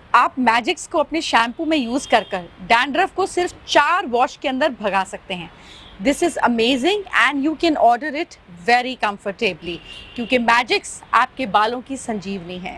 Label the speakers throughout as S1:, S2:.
S1: आप मैजिक्स को अपने शैम्पू में यूज कर डैंड्रफ को सिर्फ 4 वॉश के अंदर भगा सकते हैं। This is amazing and you can order it very comfortably, क्योंकि मैजिक्स आपके बालों की संजीवनी है।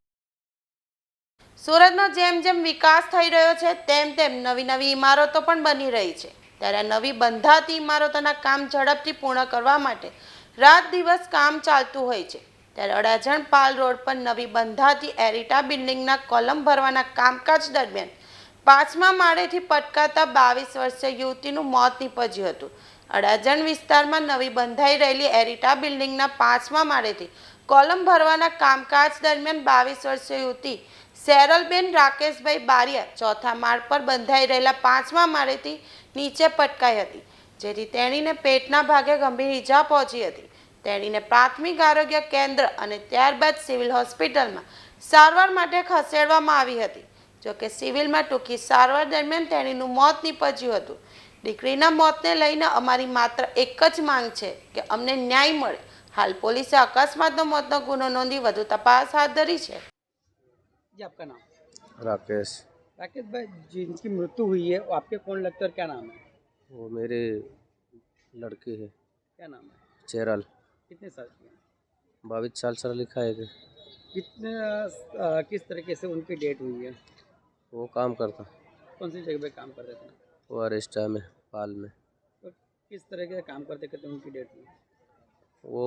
S2: સુરતમાં જેમ જેમ વિકાસ થઈ રહ્યો છે તેમ તેમ નવી નવી ઇમારતો પણ બની રહી છે, ત્યારે નવી બંધાતી ઇમારતોના કામ ઝડપથી પૂર્ણ કરવા માટે રાત દિવસ કામ ચાલતું હોય છે। ત્યારે અડાજણ પાલ રોડ પર નવી બંધાતી એરિટા બિલ્ડિંગના કોલમ ભરવાના કામકાજ દરમિયાન 5મા માળેથી પટકાતા 22 વર્ષીય યુવતીનું મોત નીપજ્યું હતું। અડાજણ વિસ્તારમાં નવી બંધાઈ રહેલી એરિટા બિલ્ડિંગના 5મા માળેથી કોલમ ભરવાના કામકાજ દરમિયાન 22 વર્ષીય યુવતી સેરલબેન રાકેશભાઈ બારિયા ચોથા માળ પર બંધાઈ રહેલા 5મા માળેથી નીચે પટકાઈ હતી, જેથી તેણીને પેટના ભાગે ગંભીર ઈજા પહોંચી હતી। તેણીને પ્રાથમિક આરોગ્ય કેન્દ્ર અને ત્યારબાદ સિવિલ હોસ્પિટલમાં સારવાર માટે ખસેડવામાં આવી હતી। જોકે સિવિલમાં ટૂંકી સારવાર દરમિયાન તેણીનું મોત નીપજ્યું હતું। દીકરીના મોતને લઈને અમારી માત્ર એક જ માંગ છે કે અમને ન્યાય મળે। હાલ પોલીસે અકસ્માતનો મોતનો ગુનો નોંધી વધુ તપાસ હાથ ધરી છે।
S3: जी आपका नाम?
S4: राकेश।
S3: राकेश भाई, जिनकी मृत्यु हुई है वो आपके कौन लगता है और क्या नाम है?
S4: वो मेरे लड़की है।
S3: क्या नाम है?
S4: चेरल।
S3: कितने साल की है?
S4: 22 साल लिखा है कि
S3: कितने किस तरीके से उनकी डेट हुई है?
S4: वो काम करता।
S3: कौन सी जगह पे काम करते थे?
S4: वो अरेस्टा में, पाल में।
S3: तो किस तरीके से काम करते करते उनकी डेट हुई?
S4: वो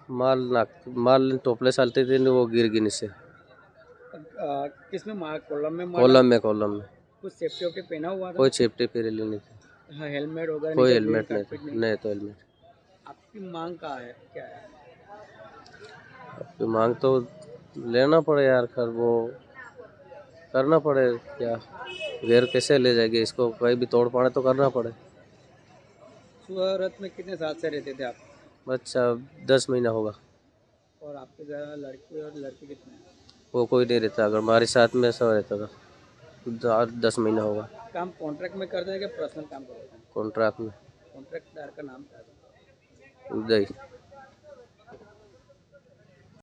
S4: माल टोपले सालते थे न, वो गिर गिन से।
S3: किस में मार? कॉलम में मारा?
S4: कॉलम में
S3: कुछ सेफ्टी वेफ्टी पहना हुआ था?
S4: कोई सेफ्टी पहले नहीं थी।
S3: हाँ, हेलमेट वगैरह?
S4: कोई
S3: नीचे
S4: हेलमेट
S3: ग्रीन
S4: नहीं
S3: कार्पेट
S4: था। नहीं तो हेलमेट।
S3: आपकी मांग कहाँ है, क्या है?
S4: आपकी मांग तो लेना पड़े यार, खैर वो करना पड़े। क्या गैर कैसे ले जाएगी इसको, कहीं भी तोड़ पाड़े तो करना पड़े।
S3: सूरत में कितने साल से रहते थे आप?
S4: बच्चा 10 महीना होगा।
S3: और आपके घर लड़की और लड़के कितने हैं?
S4: वो कोई नहीं रहता, अगर हमारे साथ में सब रहता था। 10 महीना होगा।
S3: काम कॉन्ट्रैक्ट में करते हैं कि पर्सनल काम करते हैं?
S4: कॉन्ट्रैक्ट में।
S3: कॉन्ट्रैक्टदार का नाम क्या है?
S4: उदय।